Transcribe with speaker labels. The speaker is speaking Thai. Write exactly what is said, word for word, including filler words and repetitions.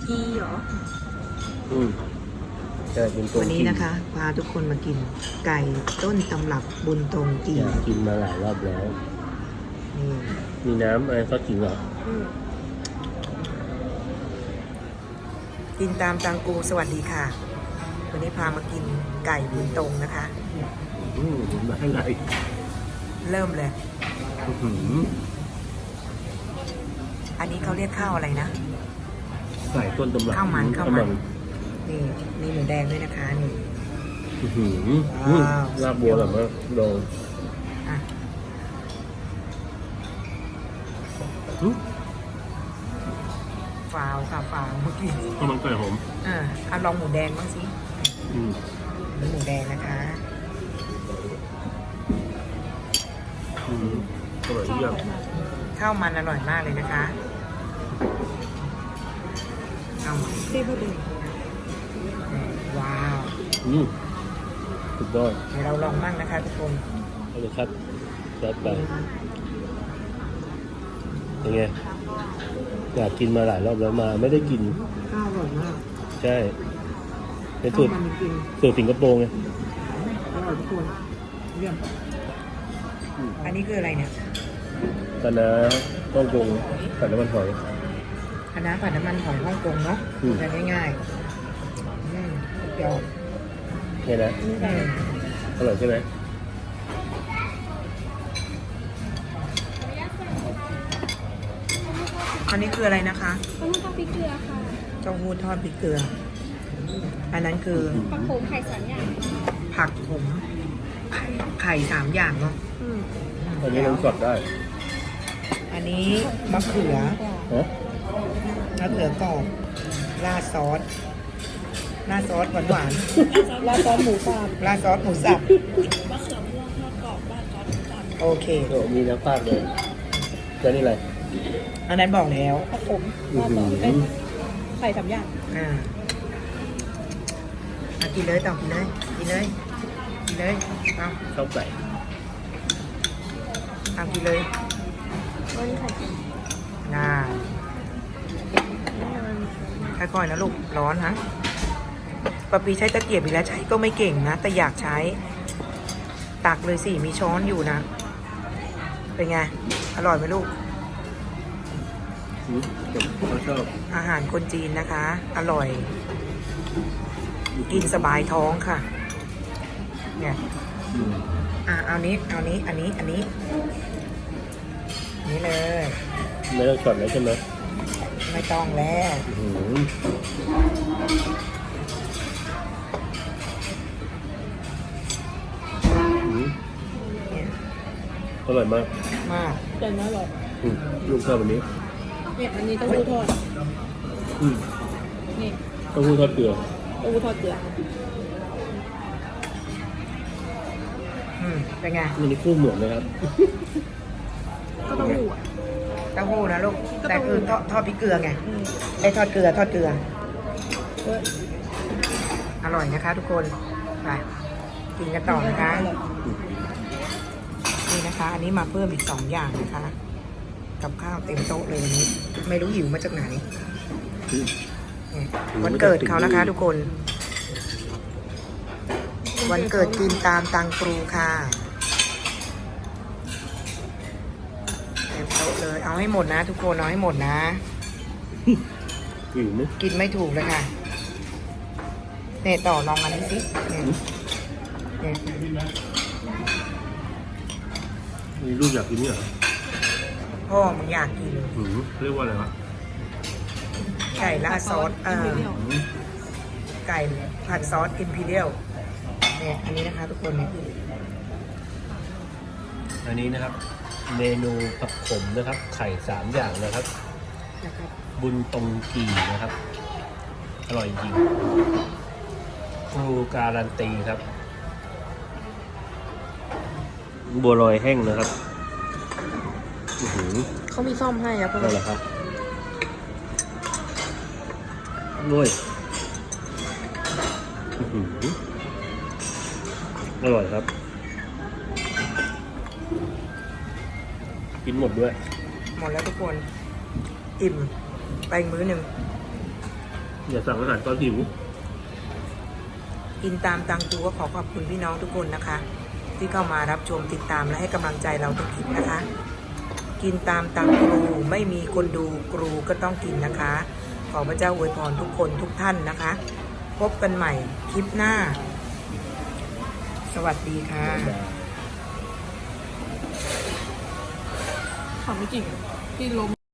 Speaker 1: กีเหรอ
Speaker 2: อืมแต่บุญตรง
Speaker 3: วันนี้นะคะพาทุกคนมากินไก่ต้นตำรับบุญตรงกี
Speaker 2: อยากกินมาหลายรอบแล้ว
Speaker 3: นี่
Speaker 2: มีน้ำอะไรก็กินเหรอ
Speaker 3: กินตามตังกูสวัสดีค่ะวันนี้พามากินไก่บุญตรงนะคะ
Speaker 2: อืมมาให้ไหน
Speaker 3: เริ่มเลย
Speaker 2: อืม
Speaker 3: อันนี้เขาเรียกข้าวอะไรนะ
Speaker 2: ไก่ต้นตำรับ
Speaker 3: ข้าวมันข้าวมันนี่มีหมูแดงด้วยนะคะนี่
Speaker 2: ลาบบัวแบบว่าลอง
Speaker 3: ฟาวค่ะฟาวเมื่อกี้
Speaker 2: ข้าวมันไก่หอม
Speaker 3: อ่าเอาลองหมูแดงบ้างสิหมูแดงนะคะ
Speaker 2: อืมอร่อยเยี่ยม
Speaker 3: ข้าวมันอร่อยมากเลยนะคะข้าวมัน
Speaker 1: เต้พอดี
Speaker 3: ว้าว
Speaker 2: อืมสุดยอด
Speaker 3: เดี๋ยวเราลองมั่งนะคะทุกคน
Speaker 2: เอาเลยครับจัดไปยังไงอยากกินมาหลายรอบแล้วมาไม่ได้กิน
Speaker 3: ข้าวอร่อยมาก
Speaker 2: ใช่เป็นสูตรสูตรสิงคโปร์ไง
Speaker 3: อร่อยทุกคนเยี่ยมอันนี้คืออะไรเนี่ย
Speaker 2: คณะฮ่องกงผัดน้ำมันหอย
Speaker 3: คณะผัดน้ำมันหอยฮ่องกงเนาะทำง่ายๆอืมยอด
Speaker 2: เนี่ยนะอร่อยใช่ไหม
Speaker 3: อันนี้คืออะไรนะคะ
Speaker 1: เต้าหู้ทอดพริกเกลือค่ะ
Speaker 3: เต้าหู้ทอดพริกเกลืออันนั้นคือ
Speaker 1: ผักโขมไข่สามอย่าง
Speaker 3: ผักขมไข่สามอย่างเนาะ
Speaker 2: อันนี้น้ำสดได้
Speaker 3: อันนี้มะเขือมะเขือกรอบราดซอสราดซอสหวานหวาน
Speaker 1: ราดซอสหมูสับ
Speaker 3: ราดซอสหมูสับ
Speaker 1: มะเขือม่วงทอดกรอบราดซอสหมูสับ
Speaker 3: โอเค
Speaker 2: มีน้ำปลาเลยแล้วนี่อะไร
Speaker 3: อันนั้นบอกแล้ว
Speaker 1: ผักขมราดซอสเป็นไข่สามอย่าง
Speaker 3: อ่ามากินเลยต่อกินเลยกินเลยกินเลยเอา
Speaker 2: ชอบไก่
Speaker 3: เอากินเลย
Speaker 1: วันนี้ไข่เค็ม
Speaker 3: น่าค่อยๆนะลูกร้อนฮะปะปีใช้ตะเกียบอีกแล้วใช้ก็ไม่เก่งนะแต่อยากใช้ตักเลยสิมีช้อนอยู่นะเป็นไงอร่อยไหมลูก
Speaker 2: ชอบ
Speaker 3: อาหารคนจีนนะคะอร่อยกินสบายท้องค่ะเนี่ยอ่ะเอานี้เอานี้อันนี้อันนี้นี่เลย
Speaker 2: ไม่ต้องช็อตแล้วใช่ไหม
Speaker 3: ไม่ต้องแล้ว
Speaker 2: อร่อยมาก
Speaker 3: มาก
Speaker 1: แต่น่าอร่อย
Speaker 2: ลูกชอบวันนี้
Speaker 1: เนี่ยอันนี้เต้าหู้ทอด
Speaker 2: นี่เต้าหู้ทอดเกลือ
Speaker 1: เต้าหู้ทอดเกลือ
Speaker 3: อืมเป็นไง
Speaker 2: อันนี้คู่เหมือนเลยครับ
Speaker 1: ก็เต้าหู้
Speaker 3: เต้าหู้นะลูกแต่คือทอดทอดพริกเกลือไงไอ้ทอดเกลือทอดเกลืออร่อยนะคะทุกคนไปกินกันต่อนะคะนี่นะคะอันนี้มาเพิ่มอีกสองอย่างนะคะกับข้าวเต็มโต๊ะเลยวันนี้ไม่รู้หิวมาจากไหนวันเกิดเขานะคะทุกคนวันเกิดกินตามตังครูค่ะเต็มโต๊ะเลยเอาให้หมดนะทุกคนเอาให้หมดนะกินไม่ถูกเลยค่ะเนี่ยต่อลองอันนี้สิเนี่ยเนี่ย
Speaker 2: มีลูกอยากกินเนี่ยเหรอ
Speaker 3: พ่อมึงอยากกิน
Speaker 2: เรียกว่าอะไรวะ
Speaker 3: ไก่ราดซอสเออไก่ผัดซอสอิมพีเรียลเนี่ยอันนี้นะคะทุกคนเนี่ย
Speaker 2: อันนี้นะครับเมนูผักขมนะครับไข่สามอย่างนะครับบุญตรงกีนะครับอร่อยจริงครูการันตีครับบัวลอยแห้งนะครับ
Speaker 1: เขามีซ่อมให้ครับ
Speaker 2: นั่นแหละครับด้วยอร่อยครับกินหมดด้วย
Speaker 3: หมดแล้วทุกคนอิ่มไปมื้อหนึ่ง
Speaker 2: อย่าสั่งอาหารตอนหิว
Speaker 3: กินตามตังตูก็ขอขอบคุณพี่น้องทุกคนนะคะ ที่เข้ามารับชมติดตามและให้กำลังใจเราทุกคลิปนะคะ กินตามตังครูไม่มีคนดูครูก็ต้องกินนะคะ ขอพระเจ้าอวยพรทุกคนทุกท่านนะคะ พบกันใหม่คลิปหน้า สวัสดีค่ะ
Speaker 1: ขอไม่จริงที่ลม